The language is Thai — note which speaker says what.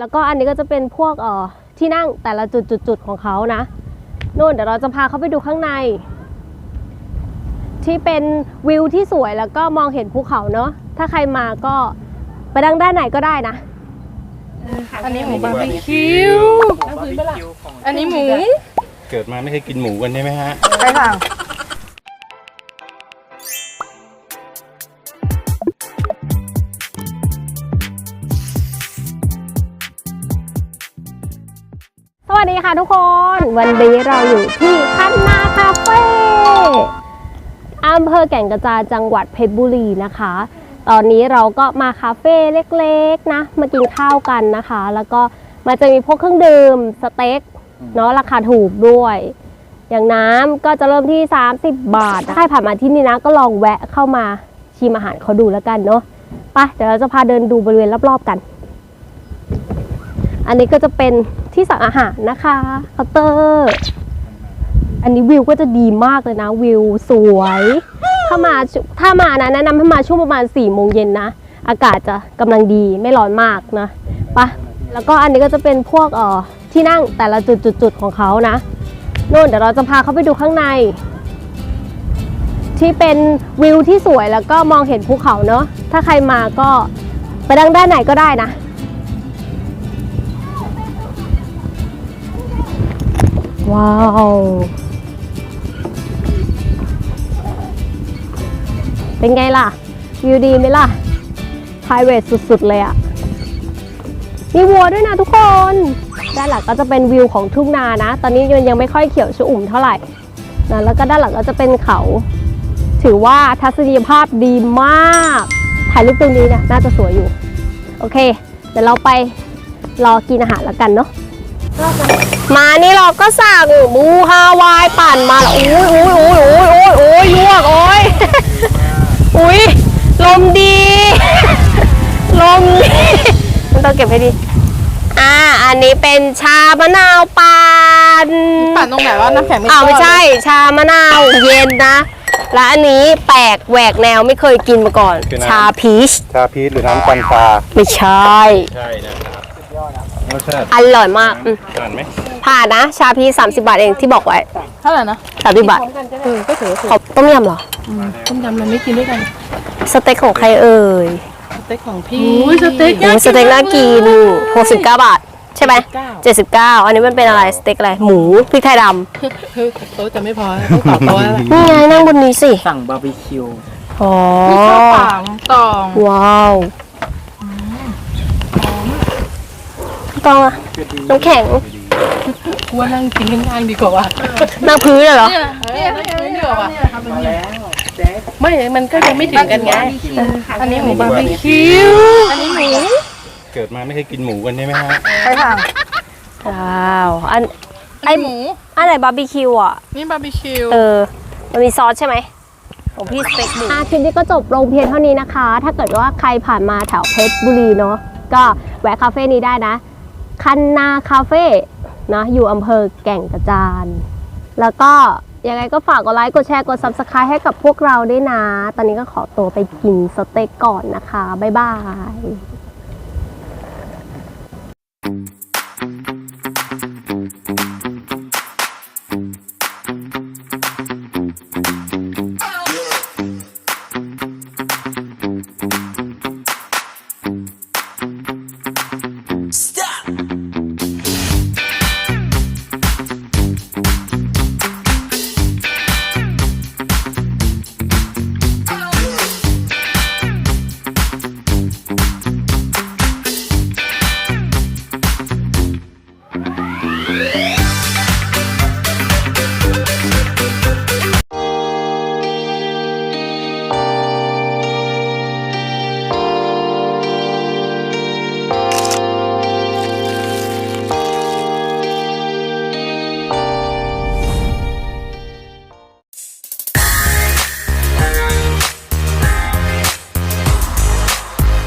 Speaker 1: แล้วก็อันนี้ก็จะเป็นพวกที่นั่งแต่ละจุดของเขานะนู่นเดี๋ยวเราจะพาเขาไปดูข้างในที่เป็นวิวที่สวยแล้วก็มองเห็นภูเขาเนาะถ้าใครมาก็ไปดังด้านไหนก็ได้นะ
Speaker 2: อันนี้หมูบาร์บีคิวอันนี้หมู
Speaker 3: เกิดมาไม่เคยกินหมูกันใช่ไหมฮะ
Speaker 2: ใช่ค่ะ
Speaker 1: สวัสดีค่ะทุกคนวันนี้เราอยู่ที่คันนาคาเฟ่อำเภอแก่งกระจานจังหวัดเพชรบุรีนะคะตอนนี้เราก็มาคาเฟ่เล็กๆนะมากินข้าวกันนะคะแล้วก็มันจะมีพวกเครื่องดื่มสเต็กเนาะราคาถูกด้วยอย่างน้ำก็จะเริ่มที่30 บาทใครผ่านมาที่นี่นะก็ลองแวะเข้ามาชิมอาหารเขาดูแล้วกันเนาะไปเดี๋ยวเราจะพาเดินดูบริเวณรอบๆกันอันนี้ก็จะเป็นที่สั่งอาหารนะคะเคาน์เตอร์อันนี้วิวก็จะดีมากเลยนะวิวสวยถ้ามานะแนะนำให้มาช่วงประมาณ4 โมงเย็นนะอากาศจะกำลังดีไม่ร้อนมากนะปะแล้วก็อันนี้ก็จะเป็นพวกที่นั่งแต่ละจุดของเขานะนู่นเดี๋ยวเราจะพาเขาไปดูข้างในที่เป็นวิวที่สวยแล้วก็มองเห็นภูเขาเนาะถ้าใครมาก็ไปดังด้านไหนก็ได้นะว้าวเป็นไงล่ะวิวดีไหมล่ะ private สุดๆเลยอะมีวัวด้วยนะทุกคนด้านหลังก็จะเป็นวิวของทุ่งนานะตอนนี้ยังไม่ค่อยเขียวชอุ่มเท่าไหร่นะแล้วก็ด้านหลังก็จะเป็นเขาถือว่าทัศนียภาพดีมากถ่ายรูปตรงนี้เนี่ยน่าจะสวยอยู่โอเคเดี๋ยวเราไปรอกินอาหารแล้วกันเนาะมานี่เราก็สั่งหมูฮาวายปั่นมาแล้วโอ้ยยวกโอ้ยอุ้ยลมดีลมมันต้องเก็บให้ดีอันนี้เป็นชามะนาวปั่น
Speaker 2: ตรงไหนว่าน้ำแข็ง
Speaker 1: ไม่ใช่ชามะนาวเย็นนะและอันนี้แปลกแหวกแนวไม่เคยกินมาก่อนชาพีช
Speaker 3: หรือน้ำปันปลา
Speaker 1: ไม่ใช่
Speaker 3: นะครับ
Speaker 1: อร่อยมาก
Speaker 3: ผ่านไหม
Speaker 1: ผ่านนะชาพีช30 บาทเองที่บอกไว้
Speaker 2: เท่าไหร่นะ
Speaker 1: 30 บาท
Speaker 2: ก็ถือ
Speaker 1: ขอต้มยำเหรอ
Speaker 2: ต้มยำเราไม่กินด้วยกัน
Speaker 1: สเต็กของใครเอ่ย
Speaker 2: สเต็กของพี่สเต็ก
Speaker 1: น่ากิน69 บาทใช่ไหม79อันนี้มันเป็นอะไรสเต็กอะไรหมูพริกไทยด
Speaker 2: ำโต๊ะจะไม่พอต้องต่อโต๊ะแล้ว
Speaker 1: นี่ไงนั่งบนนี้สิ
Speaker 4: สั่งบาร์บีคิว
Speaker 1: อ๋อ
Speaker 2: ข้าวป่าตอง
Speaker 1: ว้าวตองอะน้ำแข็ง
Speaker 2: กูว่านั่งกินง่ายๆดีกว่าว่ะ
Speaker 1: นั่งพื้นเหรอ
Speaker 2: เนี่ยนั่งพื้นดีกว่าว่ะไม่มันก็ยังไม่ถึงกันไงอันนี้หมูบาร์บีคิวอันนี้หมู
Speaker 3: เกิดมาไม่เคยกินหมูกันใช่ไหมฮะ
Speaker 2: ใช่ค่ะ
Speaker 1: ว้าวไอ
Speaker 2: หมู
Speaker 1: อะไรบาร์บีคิวอ่ะ
Speaker 2: นี่บาร์บีคิว
Speaker 1: มันมีซอสใช่ไหมของพี่สเต็กหมูคลิปนี้ก็จบลงเพียงเท่านี้นะคะถ้าเกิดว่าใครผ่านมาแถวเพชรบุรีเนาะก็แวะคาเฟ่นี้ได้นะคันนาคาเฟ่นะอยู่อำเภอแก่งกระจานแล้วก็ยังไงก็ฝากกดไลค์กดแชร์กด Subscribe ให้กับพวกเราด้วยนะตอนนี้ก็ขอตัวไปกินสเต็กก่อนนะคะบ๊ายบาย